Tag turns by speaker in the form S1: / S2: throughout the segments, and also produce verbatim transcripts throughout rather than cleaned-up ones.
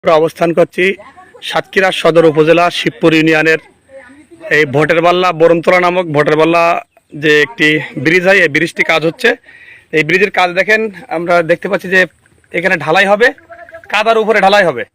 S1: অবস্থান করছি সাতক্ষীরা সদর উপজেলা শিবপুর ইউনিয়নের এই ভোটের বাল্লা বরমতলা নামক ভোটের বাল্লা যে একটি ব্রিজ হয়, এই ব্রিজটি কাজ হচ্ছে। এই ব্রিজের কাজ দেখেন, আমরা দেখতে পাচ্ছি যে এখানে ঢালাই হবে, কাদার উপরে ঢালাই হবে,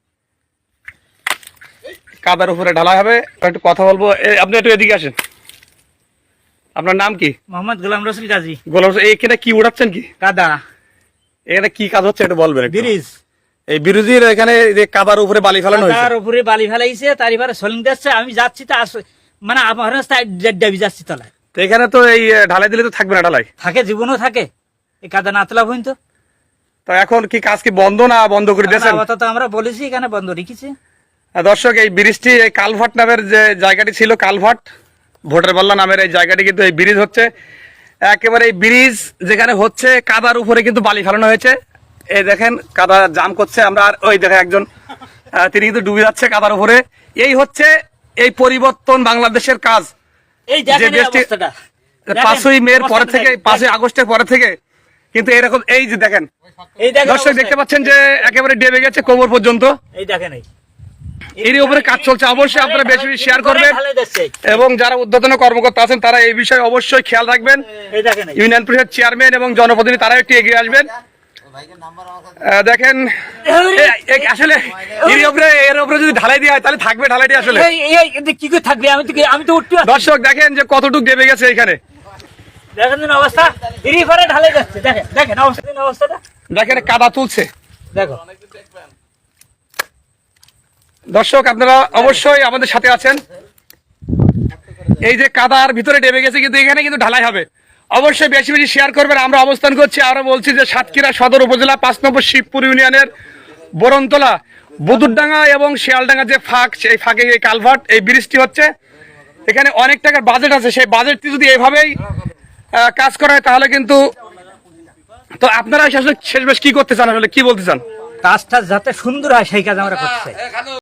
S1: কাদার উপরে ঢালাই হবে। একটু কথা বলবো, আপনি একটু এদিকে আসেন। আপনার নাম কি?
S2: মোহাম্মদ গোলাম রসুল গাজী।
S1: গোলাম রসুল, এখানে কি উড়াচ্ছেন? কি
S2: কাদা?
S1: এখানে কি কাজ হচ্ছে একটু বলবেন।
S2: ব্রিজ,
S1: এই ব্রিজের এখানে যে কাদার উপরে বালি ফেলানো হয়েছে,
S2: কাদার উপরে বালি ফেলাইছে, তার এবারে সলিং যাচ্ছে। আমি যাচ্ছি তো মানে আমার ডাবি যাচ্ছি তলায়।
S1: তো এখানে তো এই ঢালাই দিলে তো থাকবে না, ঢালাই
S2: থাকে, জীবনও থাকে, এই কাদা না তোলা পর্যন্ত।
S1: তো এখন কি কাজ কি বন্ধ না বন্ধ করে দিয়েছেন?
S2: আপাতত আমরা বলেছি এখানে বন্ধ রেখেছি।
S1: দর্শক, এই ব্রিজটি এই কালভার্ট নামের যে জায়গাটি ছিল, কালভার্ট ভোটের বাল্লা নামের এই জায়গাটি কিন্তু এই ব্রিজ হচ্ছে। একেবারে এই ব্রিজ যেখানে হচ্ছে কাদার উপরে কিন্তু বালি ফেলানো হয়েছে। এই দেখেন কাদা জাম করছে, আমরা আর ওই দেখেন একজন তিনি কিন্তু ডুবে যাচ্ছে কাদার উপরে। এই হচ্ছে এই পরিবর্তন বাংলাদেশের কাজ।
S2: এই দেখেন এই অবস্থাটা,
S1: পাঁচই মের পরে থেকে, পাঁচই আগস্টের পরে থেকে কিন্তু এরকম, এই যে দেখেন,
S2: এই দেখেন
S1: দর্শক দেখতে পাচ্ছেন যে একেবারে ডেবে গেছে কোমর পর্যন্ত।
S2: এই দেখেন, এই
S1: এর উপরে কাজ চলছে। অবশ্যই আপনারা বেশি বেশি শেয়ার করবেন এবং যারা উদ্বোধন কর্মকর্তা আছেন তারা এই বিষয়ে অবশ্যই খেয়াল রাখবেন। ইউনিয়ন পরিষদ চেয়ারম্যান এবং জনপ্রতিনিধি তারা একটু এগিয়ে আসবেন। দেখেন আসলে এর উপরে এর উপরে যদি ঢালাই দেওয়া হয় তাহলে থাকবে ঢালাইটি আসলে
S2: কি করে থাকবে? আমি তো আমি তো উঠতে।
S1: দর্শক দেখেন যে কতটুকু দেবে গেছে এখানে,
S2: দেখেন অবস্থা, এরই পরে ঢালাই যাচ্ছে। দেখেন দেখেন অবস্থা, অবস্থাটা
S1: দেখেন, কাদা তুলছে।
S2: দেখো
S1: দর্শক, আপনারা অবশ্যই আমাদের সাথে আছেন। এই যে কাদার ভিতরে ডেবে গেছে কিন্তু এখানে কিন্তু ঢালাই হবে। অবশ্যই বেশি বেশি শেয়ার করবেন। আমরা অবস্থান করছি, আমরা বলছি যে সাতক্ষীরা সদর উপজেলা পাঁচ নম্বর শিবপুর ইউনিয়নের বরমতলা বুদুরডাঙ্গা এবং শিয়ালডাঙ্গা যে ফাঁক, সেই ফাঁকে এই কালভার্ট, এই ব্রিজটি হচ্ছে। এখানে অনেক টাকার বাজেট আছে, সেই বাজেটটি যদি এভাবেই কাজ করা হয় তাহলে কিন্তু, তো আপনারা আসলে শেষ বেশ কি করতে চান, আসলে কি বলতে চান?
S2: কাজটা যাতে সুন্দর হয় সেই কাজ আমরা করতে চাই।